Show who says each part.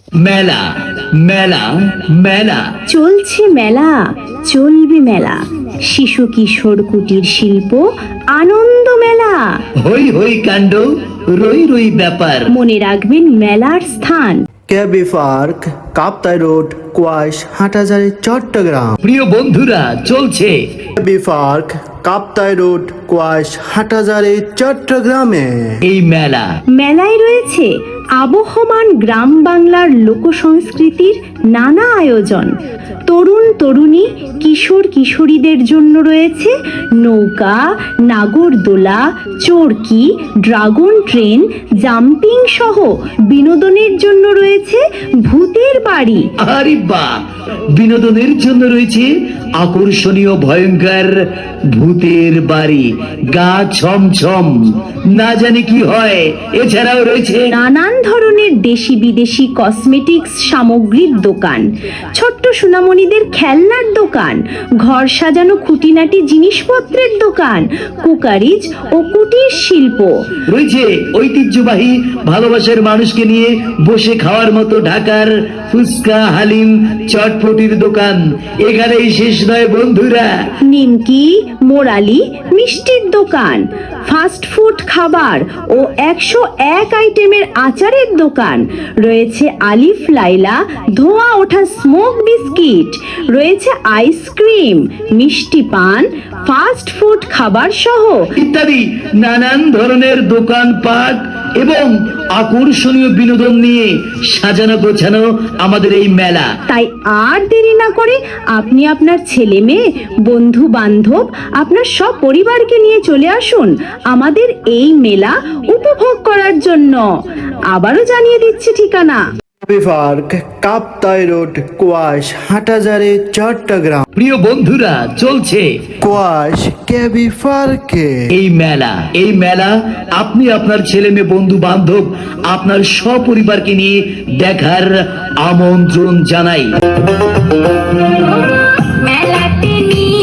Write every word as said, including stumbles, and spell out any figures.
Speaker 1: মেলা মেলা মেলা
Speaker 2: চলছে মেলা, চলবে মেলা, শিশু কিশোর কুটির শিল্প আনন্দ মেলা।
Speaker 1: হই হই কাণ্ড, রই রই ব্যাপার।
Speaker 2: মনে রাখবেন মেলার স্থান
Speaker 3: KB park, Kaptai road, Kuaish, Hathazari, Chittagong.
Speaker 1: প্রিয় বন্ধুরা, চলছে
Speaker 3: KB park, Kaptai road, Kuaish, Hathazari, চট্টগ্রামে
Speaker 1: এই মেলা।
Speaker 2: মেলায় রয়েছে আবহমান গ্রাম বাংলার লোক সংস্কৃতির নানা আয়োজন। তরুণ তরুণী, কিশোর কিশোরীদের জন্য রয়েছে নৌকা, নাগরদোলা, চরকি, ড্রাগন ট্রেন, জাম্পিং সহ বিনোদনের জন্য রয়েছে ভূতের বাড়ি।
Speaker 1: আরে বাহ! বিনোদনের জন্য রয়েছে আকর্ষণীয় ভয়ঙ্কর ভূতের বাড়ি, গা ছমছম, না জানি কি হয়। এছাড়াও রয়েছে
Speaker 2: নানান ধরনের দেশি বিদেশি কসমেটিক্স সামগ্রীর দোকান, ছোট্ট সোনামণিদের খেলনার দোকান, ঘর সাজানো খুঁটিনাটি জিনিসপত্রের দোকান, কুকারিজ ও কুটির শিল্প।
Speaker 1: রয়েছে ঐতিহ্যবাহী ভালোবাসার মানুষকে নিয়ে বসে খাওয়ার মতো ঢাকার ফুচকা, হালিম, চটপটির দোকান। এখানেই শেষ নয় বন্ধুরা,
Speaker 2: নিমকি, মোরালি, মিষ্টির দোকান, ফাস্ট ফুড খাবার ও একশো এক আইটেমের আচারের দোকান। রয়েছে আলিফ লাইলা ধোঁয়া ওঠা স্মোক বিস্কিট, রয়েছে আইসক্রিম, মিষ্টি পান, ফাস্ট ফুড খাবার সহ
Speaker 1: ইত্যাদি নানান ধরনের দোকানপাট এবং আকর্ষণীয় বিনোদন নিয়ে সাজানো গোছানো আমাদের এই মেলা।
Speaker 2: তাই আর দেরি না করে আপনি আপনার ছেলে মেয়ে, বন্ধু বান্ধব, আপনার সব পরিবারকে নিয়ে চলে আসুন আমাদের এই মেলা উপভোগ করার জন্য। আবারও জানিয়ে দিচ্ছি ঠিকানা।
Speaker 3: KB park, Kaptai road, Kuaish, Hathazari, Chittagong.
Speaker 1: প্রিয় বন্ধুরা, চলছে
Speaker 3: কোয়াইশ কেবি পার্কে
Speaker 1: এই মেলা। এই মেলা আপনি আপনার ছেলে মেয়ে, বন্ধু বান্ধব, আপনার সপরিবারকে নিয়ে দেখার আমন্ত্রণ জানাই।
Speaker 4: মেলাতে নিয়ে